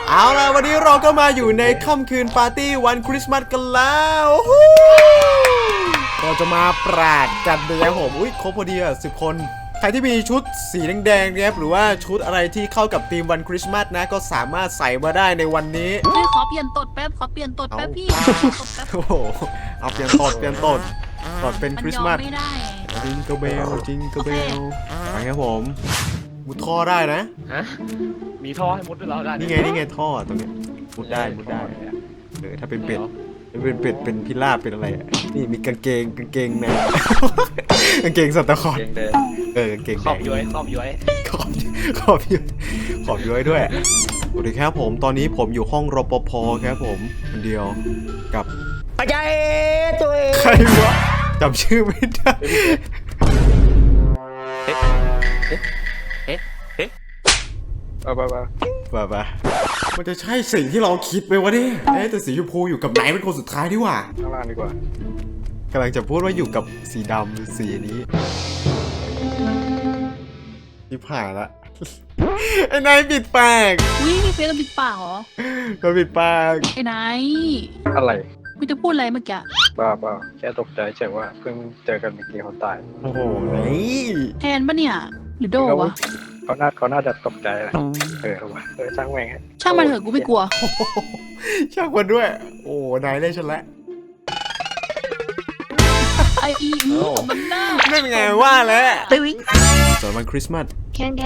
เอาล่ะวันนี้เราก็มาอยู่ในค่ำคืนปาร์ตี้วันคริสต์มาสกันแล้วเราจะมาปราดกันเลยครับผมอุ้ยครบพอดีอ่ะ10 คนใครที่มีชุดสีแดงๆเนี่ยหรือว่าชุดอะไรที่เข้ากับธีมวันคริสต์มาสนะก็สามารถใส่มาได้ในวันนี้ขอเปลี่ยนตดแป๊บพี่โอ้โหเอาเปลี่ยนตดเป็นคริสต์มาสจิงเกิลเบลไปครับผมมุดท่อได้นะฮะมีท่อให้มุดด้วยเราได้นี่ไงท่อตรงนี้มุดได้ถ้าเป็นเป็ดเป็นพิราบเป็นอะไรนี่มีกางเกงในกางเกงสัตว์คอนกางเกงขอบย้อยขอบย้อยด้วยสวัสดีครับผมตอนนี้ผมอยู่ห้องรปภครับผมคนเดียวกับอาจารย์ตัวเองใครวะจำชื่อไม่ได้ไปมันจะใช่สิ่งที่เราคิดไหมวะเนี่ยแต่สีชมพูอยู่กับไหนเป็นคนสุดท้ายดีกว่าข้างล่างดีกว่ากำลังจะพูดว่าอยู่กับสีดำหรือสีนี้ที่ผ่านละไอ้นายปิดปากพี่เฟซเราปิดปากเหรอก็ปิดปากไอ้นายอะไรกูจะพูดอะไรเมื่อกี้บ้าแค่ตกใจเฉยว่าเพิ่งเจอกันเมื่อกี้เขาตายโอ้โหแทนปะเนี่ยหรือโดวะเขาน่าจะตกใจแหละช่างแม่งช่างมันเถอะกูไม่กลัวช่างมันด้วยโอ้นายเล่นฉันละไอ้มันน่านั่นไงว่าแล้วตึ้งส่วนวันคริสต์มาสแคน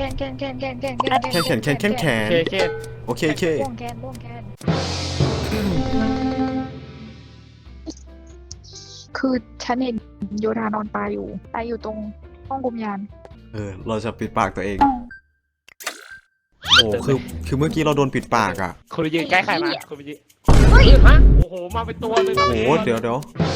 โอเคคือฉันเห็นโยธานอนตายอยู่ตรงห้องกุมยานเราจะปิดปากตัวเองโอ้คือเมื่อกี้เราโดนปิดปากอ่ะคุณไปยืนใกล้ใครมาคุณไปยืนฮะโอ้โหมาเป็นตัวเลยโอ้เดี๋ยว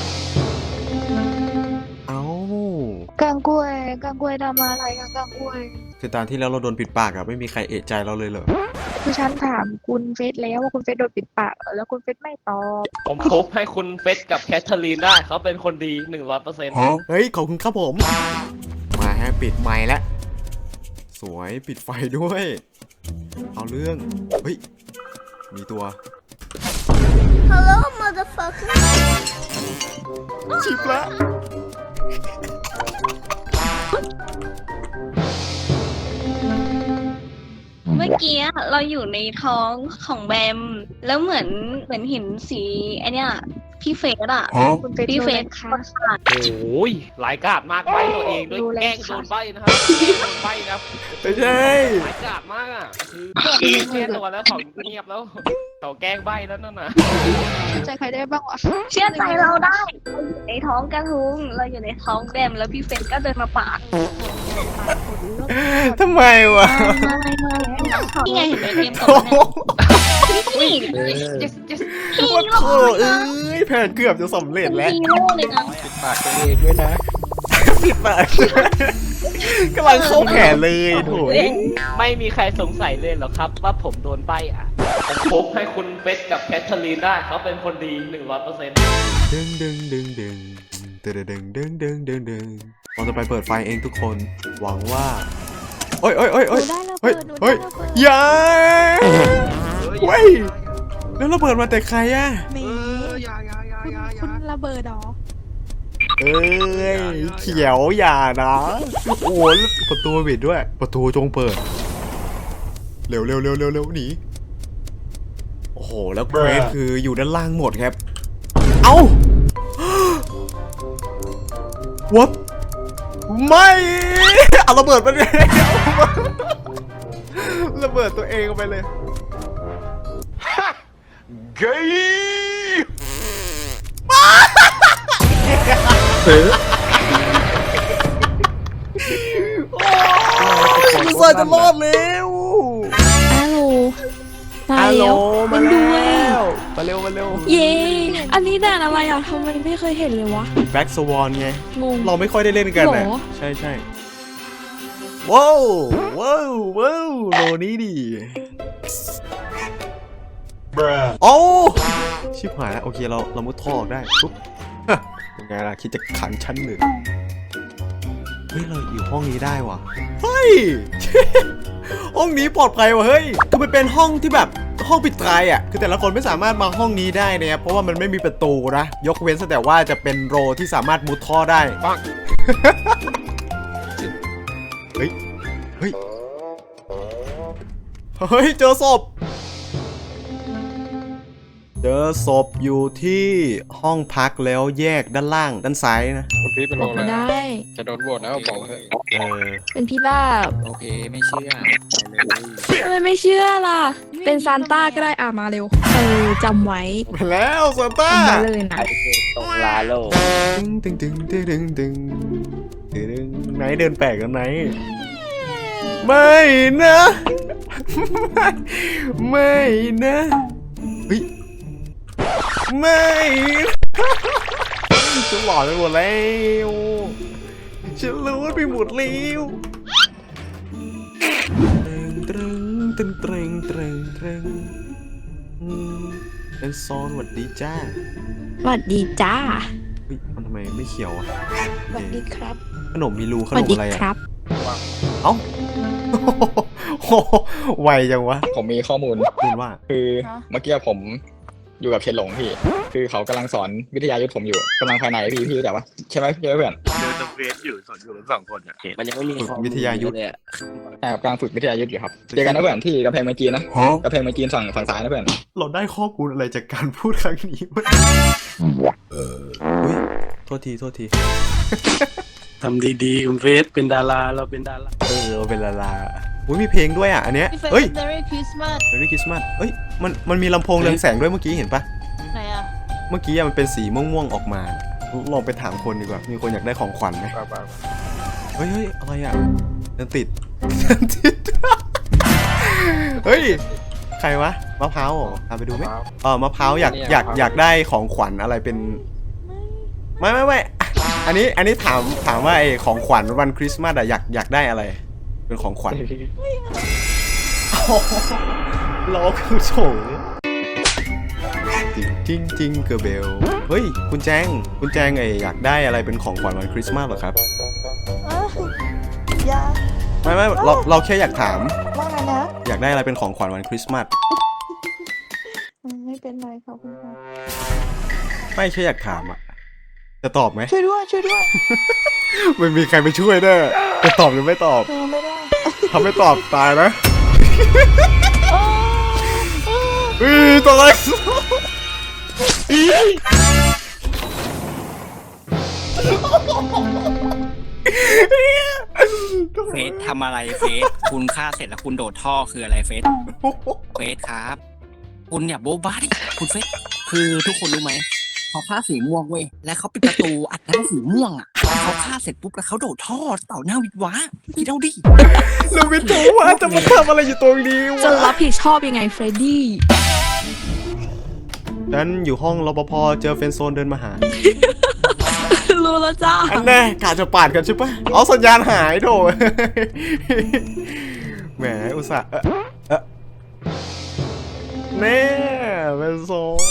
เอากังกล้วยทำอะไรกังกล้วยคือตอนที่แล้วเราโดนปิดปากอ่ะไม่มีใครเอะใจเราเลยเหรอคือฉันถามคุณเฟสแล้วว่าคุณเฟสโดนปิดปากแล้วคุณเฟสไม่ตอบผมพบให้คุณเฟสกับแคทเธอรีนได้เขาเป็นคนดี 100% เฮ้ยขอบคุณครับผมมาฮะปิดไมค์แล้วสวยปิดไฟด้วยเอาเรื่องเฮ้ยมีตัว Hello motherfucker ชิบละเมื่อกี้เราอยู่ในท้องของแบมแล้วเหมือนเห็นสีไอเนี้ยพี่เฟสอะพี่เฟสค่ะโอ้ยหลายกาดมากใบตัวเองด้วยแกล้งโดนใบนะครับโดนใบนะไม่ใช่หลายกาดมากอ่ะคือแก้ตัวแล้วเขาเงียบแล้วเขาแกล้งใบแล้วนั่นน่ะเชื่อใจใครได้บ้างวะเชื่อใจเราได้ในท้องกระทุงเราอยู่ในท้องแบมแล้วพี่เฟสก็เดินมาปาดทำไมวะนี่ไงเห็นไหมเกมต่อนี่ว่าโถ่แผนเกือบจะสำเร็จแล้วปิดปากตัวเองด้วยนะปิดปากกำลังเข้าแผนเลยโถ่ไม่มีใครสงสัยเลยหรอครับว่าผมโดนใบอ่ะผมพบให้คุณเฟสกับแคทเธอรีนได้เขาเป็นคนดี 100% ดึงเราจะไปเปิดไฟเองทุกคนหวังว่าเฮ้ยอย่าเว้ยแล้วระเบิดมาแต่ใครอะคุณระเบิดหรอเขียวอย่านะโอ้ประตูปิดด้วยประตูจงเปิดเร็วหนีโอ้โหแล้วเควสคืออยู่ด้านล่างหมดครับเอ้า What ไม่เอาระเบิดมาเลยระเบิดตัวเองไปเลยเกย์กูใส่จะรอดแล้วฮัลโหลมาแล้วมาเร็วเย้อันนี้ด่านอะไรอ่ะทำไมไม่เคยเห็นเลยวะแบ็กสวอนไงเราไม่ค่อยได้เล่นกันนะใช่ว้าวโลนี้ดิโอ้ชิบหายแล้วโอเคเรามุดท่อได้ปุ๊บเป็นไงล่ะคิดจะขังชั้นหนึ่งเฮ้ยเราอยู่ห้องนี้ได้ว่ะเฮ้ยห้องนี้ปลอดภัยว่ะเฮ้ยคือมันเป็นห้องที่แบบห้องปิดตายอ่ะคือแต่ละคนไม่สามารถมาห้องนี้ได้นะครับเพราะว่ามันไม่มีประตูนะยกเว้นแต่ว่าจะเป็นโรที่สามารถมุดท่อได้เฮ้ยเฮ้ยเฮ้ยเจอศพอยู่ที่ห้องพักแล้วแยกด้านล่างด้านซ้ายนะคุณพี่เป็นบโรอกอะไรไม่ได้จะโดนโหวตแล้วบอกเถอะเป็นพี่ลาบโอเคไม่เชื่อทำไมไม่เชื่อล่ะ เป็นซานต้าก็ได้มาเร็วจำไว้มาแล้วซานต้าจำไว้เลยนะตรงลาโลตึงตึงตึงตึงตึงตึงไหนเดินแปลกกันไหนไม่นะไม่นะเฮ้ยไม่จะหลอนไปหมดแล้วฉันรู้ไปหมดแล้วตรึงตรึงตรึงตรึงตรึงเป็นโซนหวัดดีจ้าสวัสดีจ้าเฮ้ยมันทำไมไม่เขียวอ่ะสวัสดีครับขนมมีรูขสนวัสมดีอะไรครัอ่ะบเอ้าไวจังวะผมมีข้อมูลคุณว่าคือเมื่อกี้ผมอยู่กับเชนหลงพี่ คือเขากำลังสอนวิทยายุทธผมอยู่กำลังภายในพี่รู้จักปะใช่ไหมเพื่อนเดินตะเวนอยู่สอนอยู่กัน2 คนอ่ะมันยังไม่มีฝึกวิทยายุทธเลยอะกำลังฝึกวิทยายุทธอยู่ครับเจอกันนะเพื่อนที่กำแพงเมืองจีนนะกำแพงเมืองจีนฝั่งซ้ายนะเพื่อนเราได้ข้อมูลอะไรจากการพูดครั้งนี้วะอุ้ยโทษทีทำดีๆคุณเฟสเป็นดาราเราเป็นดาราเราเป็นลาลาอุ้ยมีเพลงด้วยอ่ะอันเนี้ยเฮ้ย Merry Christmas Merry Christmas เอ้ยมันมีลำโพงเรืองแสงด้วยเมื่อกี้เห็นปะไหนอ่ะเมื่อกี้อะมันเป็นสีม่วงๆออกมาลองไปถามคนดีกว่ามีคนอยากได้ของขวัญไหมเฮ้ยอะไรอ่ะเดินติด เฮ้ยใครวะมะพร้าวเหรอพาไปดูไหมมะพร้าวอยากได้ของขวัญอะไรเป็นไม่อันนี้ถามว่าไอ้ของขวัญวันคริสต์มาสอะอยากได้อะไรเป็นของขวัญล้อคือโฉงจริงเกอร์เบลเฮ้ยคุณแจงไอ้อยากได้อะไรเป็นของขวัญวันคริสต์มาสเหรอครับไม่เราแค่อยากถามว่าไงนะอยากได้อะไรเป็นของขวัญวันคริสต์มาสไม่เป็นไรขอบคุณค่ะไม่แค่อยากถามอะจะตอบไหมช่วยด้วยไม่มีใครไปช่วยแน่จะตอบหรือไม่ตอบไม่ได้ถ้าไม่ตอบตายนะตัวอะไรเฟสทำอะไรเฟสคุณฆ่าเสร็จแล้วคุณโดดท่อคืออะไรเฟสครับ คุณอย่าโบ๊ะบ้าดิคุณเฟสคือทุกคนรู้ไหมเขาฆ่าสีม่วงเว้ยแล้วเขาปิดประตูอัดน้ำสีม่วงอ่ะเขาฆ่าเสร็จปุ๊บแล้วเขาโดดท่อเต่าหน้าวิทวะคิดเอาดิเราไม่รู้ว่าจะมาทำอะไรอยู่ตรงนี้จะวะรับผิดชอบยังไงเฟรดดี้ฉันอยู่ห้องรปภเจอเฟรนด์โซนเดินมาหารู้แล้วจ้าอันแน่กะจะปาดกันใช่ปะเอาสัญญาณหายโถ แหมอุตส่าห์แน่เป็นโซน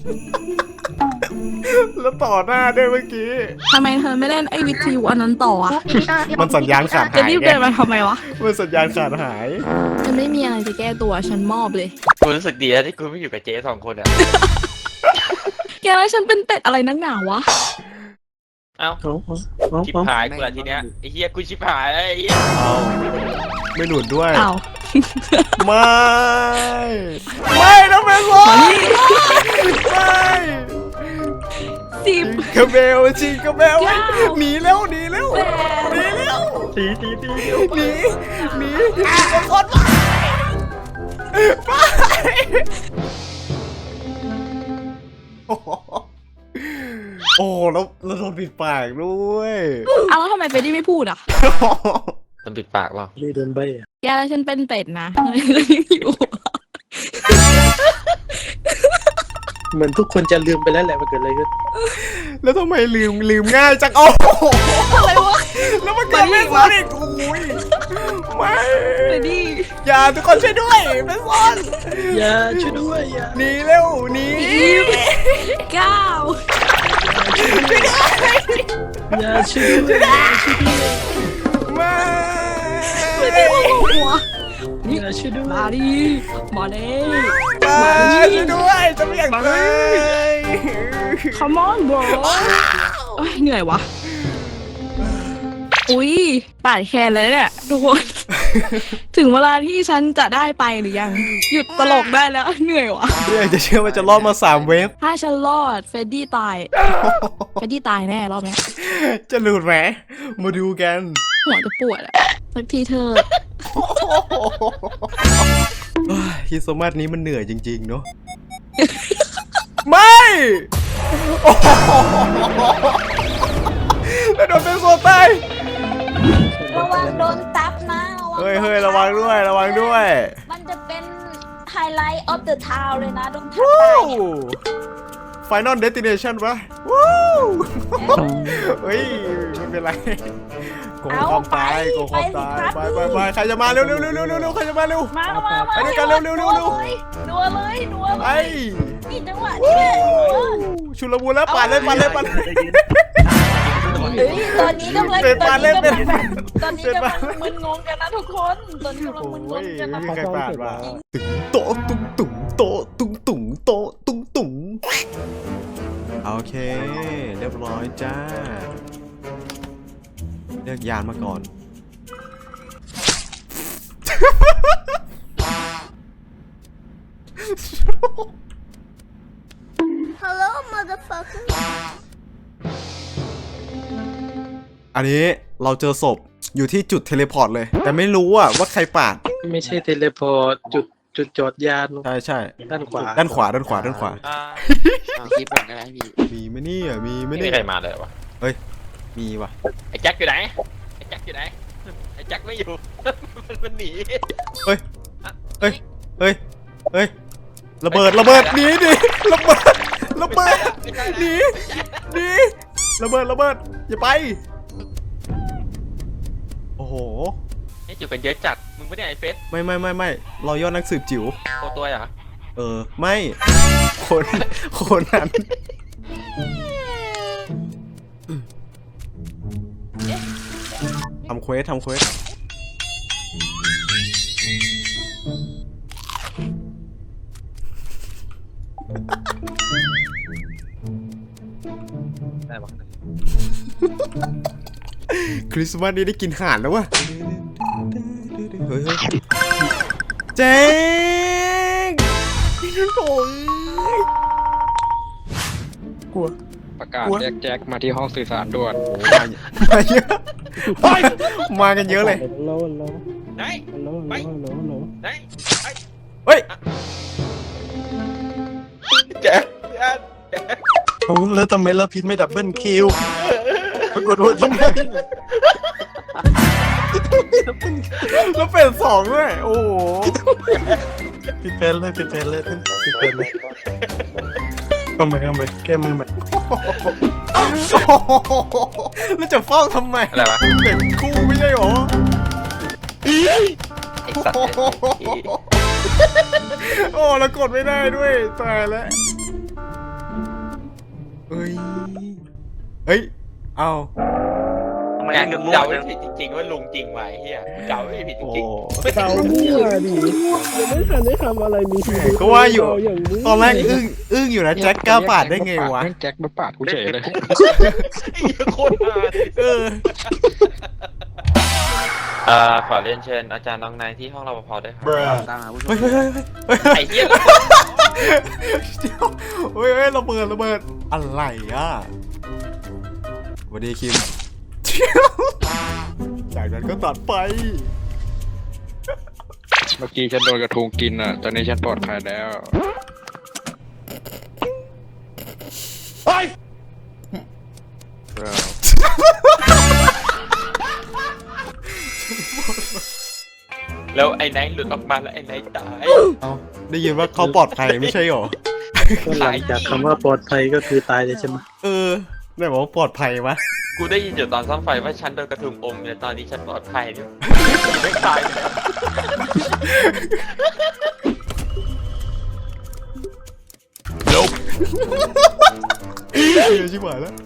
แล้วต่อหน้าด้วยเมื่อกี้ทำไมเธอไม่เล่นไอ้วิทยุอันนั้นต่ออะมันสัญญาณขาดจะหายรีบไงเดินมาทำไมวะมันสัญญาณขาดหายฉันไม่มีอะไรจะแก้ตัวฉันมอบเลยกูรู้สึกดีแล้วที่กูไม่อยู่กับเจ๊2 คนอ่ะแกแล้วฉันเป็นเป็ดอะไรนักหนาวะเอ้าชิบหายกูละทีเนี้ยไอ้เฮียกูชิบหายไอ้เฮียเอาไม่หลุดด้วยอ้าวไม่นะเฟรนด์โซนไม่สิบกระเบลจิงกระเบลเก้าหนีแล้วแปดหนีหนีโอ้แล้วโดนปิดปากด้วยอ้าวแล้วทำไมเฟรดดี้ไม่พูดอ่ะมันปิดปากเปล่าเดินไปอ่ะแกแล้วฉันเป็นเป็ดนะอยู่เหมือนทุกคนจะลืมไปแล้วแหละมันเกิดอะไรขึ้นแล้วทำไมลืมง่ายจังโอ้โหอะไรวะแล้วมันเกิดไม่ซ้อนอีกโอ้ยไม่เฟรดดี้อย่าทุกคนช่วยด้วยไม่ซ้อนอย่าช่วยด้วยอย่าหนีเร็วหนีเก้าอย่าช่วยด้วยไม่เฟรดดี้ว่าหัวนี่ช่วยด้วยมาดิมาเลยมาช่วยด้วยจะไม่อยากตาย Come on bro โอ้ยเหนื่อยวะอุ้ยปาดแคนเลยเนี่ยทุกคน ถึงเวลาที่ฉันจะได้ไปหรือยัง หยุดตลกได้แล้วเหนื่อยวะไม่อยากจะเชื่อว่าจะรอดมา3 เวฟถ้าฉันรอดเฟรดดี้ตาย เฟรดดี้ตายแน่รอบนี้จะหลุดไหมมาดูกันหัวจะปวดอะสักทีเธอฮิโซมาสนี้มันเหนื่อยจริงๆเนาะ ไม่โอ้โหแล้วโดนเป็นโซตายระวังโดนซับนะระวังเฮ้ยระวังด้วยระวังด้วยมันจะเป็นไฮไลท์ออฟเดอะทาวเลยนะโดนทับวู้ตายเนี่ย Final Destination ปะวู้เฮ้ยไม่เป็นไรโกงความตายโกงความตายไปใครจะมาเร็วใครจะมาเร็วมาไปด้วยกันเร็วนัวเลยไปนี่จังหวะนี้เลยชุลมุนแล้วปาดเลยเฮ้ยตอนนี้กำลังเป็นปาดเลยเป็นตอนนี้กำลังมึนงงกันนะทุกคนตอนนี้กำลังมึนงโอ้งยกันไม่นะมีใครปาดมาตึงโต๊ะตุ้งตุ๋งโต๊ะตุ้งตุ๋งโต๊ะตุ้งตุ๋งโอเคเรียบร้อยจ้าเลือกยานมาก่อน Hello motherfucker อันนี้เราเจอศพอยู่ที่จุดเทเลพอร์ตเลย แต่ไม่รู้ว่าใครปาดไม่ใช่เทเลพอร์ตจุดจอดยานใช่ด้านขวาด้านขวาคลิปก่อนก็ได้พี่มีไหมเนี่ยมีไหมไม่เนี่มียใครมาเลยวะมีวะไอ้แจ็คอยู่ไหนไอ้แจ็คอยู่ไหนไอ้แจ็คไม่อยู่ มันหนีเฮ้ยระเบิดหนีดิระเบิดหนีระเบิดอย่าไปโอ้โหนี่อยู่กันเยอะจัดมึงไม่ได้ไอ้เฟสไม่เรายอดนักสืบจิ๋วโคตัวเหรอไม่คนนั้นทำเควสได้ปะคริสต์มาสนี้ได้กินห่านแล้ววะเฮ้ยเจ๊งโอ้ยประกาศเรียกแจ็คมาที่ห้องสื่อสารด่วนมาเยอะมากันเยอะเลยไหนไปไหนเฮ้ยแจ็คแล้วทำไมเราพิษไม่ดับเบิลคิวปรากฏว่าทำไมแล้วเป็น2ด้วยโอ้โหผิดแผนเลยเข้าไปแก้มือใหม่แล้วจะเฝ้าทำไมอะไรวะเป็นคู่ไม่ใช่หรอไอ้สัตว์โอ้แล้วกดไม่ได้ด้วยตายแล้วเฮ้ยเอางานเดาไม่ผิดจริงๆว่าลุงจริงไหมเฮียเดาไม่ผิดจโอ้ริงเต่ามั่วดิยังไม่ทันได้ทำอะไรมีชีวิตก็ว่าอยู่ตอนแรกอึ้งอยู่นะแจ็คกล้าปาดได้ไงวะแจ็คมาปาดกูเฉยเลยๆโคตรฮาขอเรียนเชิญอาจารย์น้องนายที่ห้องรปภด้วยครับเฮ้ยไอ้เหี้ยเฮ้ยระเบิดอะไรสวัสดีคิมจากนั้นก็ตัดไปเมื่อกี้ฉันโดนกระทุงกินอ่ะ ตอนนี้ฉันปลอดภัยแล้วแล้วไอ้ไนท์หลุดออกมาแล้วไอ้ไนท์ตายเอาได้ยินว่าเขาปลอดภัยไม่ใช่หรอหลังจากคำว่าปลอดภัยก็คือตายเลยใช่ไหมไหนบอกว่าปลอดภัยวะกูได้ยินอยู่ตอนซ่อมไฟว่าฉันโดนกระทุงอมเนี่ยตอนนี้ฉันปลอดภัยเนี่ยไม่ตายแล้วชิบหายแล้ว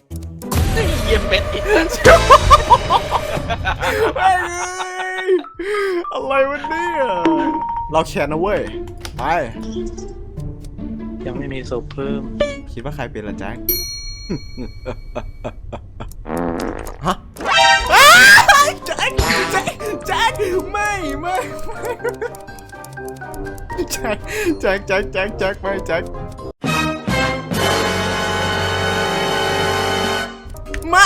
เยี่ยมเป็ดอีกไอ้อะไรวะเนี่ยเราแชร์นะเว้ยไปยังไม่มีศพเพิ่มคิดว่าใครเป็นล่ะแจ็ค ฮะแจ็คไม่แจ็คไม่แจ็คไม่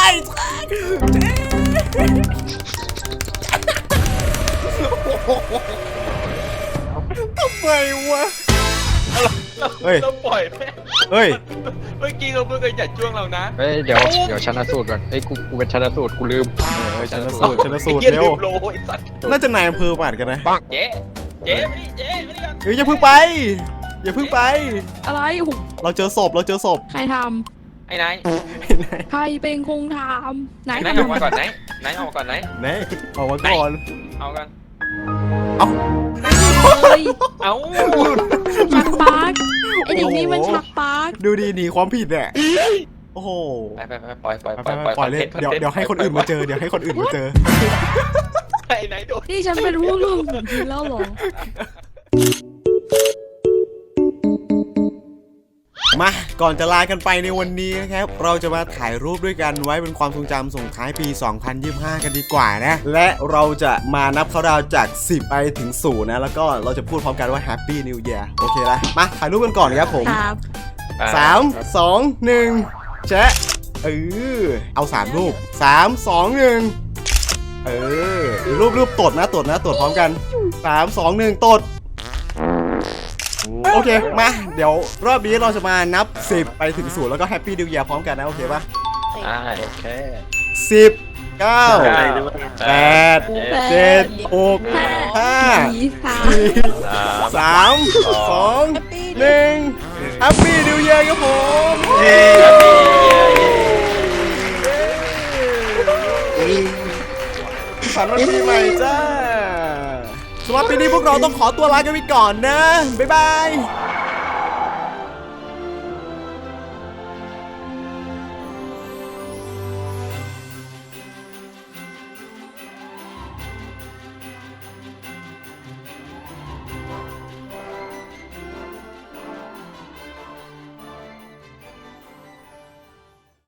ทำไมวะเฮ้ยต้องปล่อยแม่เฮ้ยเมื่อกี้เราเพิ่งเคยจัดช่วงเรานะเฮ้ยเดี๋ยวชันสูตรก่อนเอ้ยกูเป็นชันสูตรกูลืมชันสูตรไอ้เหี้ยเร็ลืวมโลไอ้สัตว์น่าจะนายอำเภอป่านกันนะเจ๊ไม่ได้กันเฮ้ยอย่าเพิ่งไป อย่าเพิ่งไปอะไรโอ้โหเราเจอศพใครทไอ้นายำใครเป็นคงทำไหนนายออกมาก่อนนายออกมาก่อนไหนออกมาก่อนเอากันเฮ้ยเอาชักปาร์กไอเด็กนี่มันชักปาร์กดูดีหนีความผิดเนี่ยโอ้โหไปปล่อยปล่อยเลยเดี๋ยวให้คนอื่นมาเจอไอ้นายโดนนี่ฉันเป็นผู้ร่วมกับทีมแล้วเหรอมาก่อนจะลากันไปในวันนี้นะครับ เราจะมาถ่ายรูปด้วยกันไว้เป็นความทรงจำส่งท้ายปี 2025 กันดีกว่านะ และเราจะมานับเขาดาวจาก 10 ไปถึง 0 นะ แล้วก็เราจะพูดพร้อมกันว่า Happy New Year โอเคละมาถ่ายรูปกันก่อนครับผมครับ 3 2 1แชะเอา3รูป3 2 1รูปตดนะตดพร้อมกัน3 2 1ตดโอเคมาเดี๋ยวรอบนี้เราจะมานับ10ไปถึง0แล้วก็แฮปปี้นิว e ย r พร้อมกันนะโอเคปะโอเค 10 9 8 7 6 5 3 2 1แฮปปี้นิว e ย r ครับผมฝันวันปีใหม่จ้าสำหรับปีนี้พวกเราต้องขอตัวลากันไปก่อนนะ บ๊ายบาย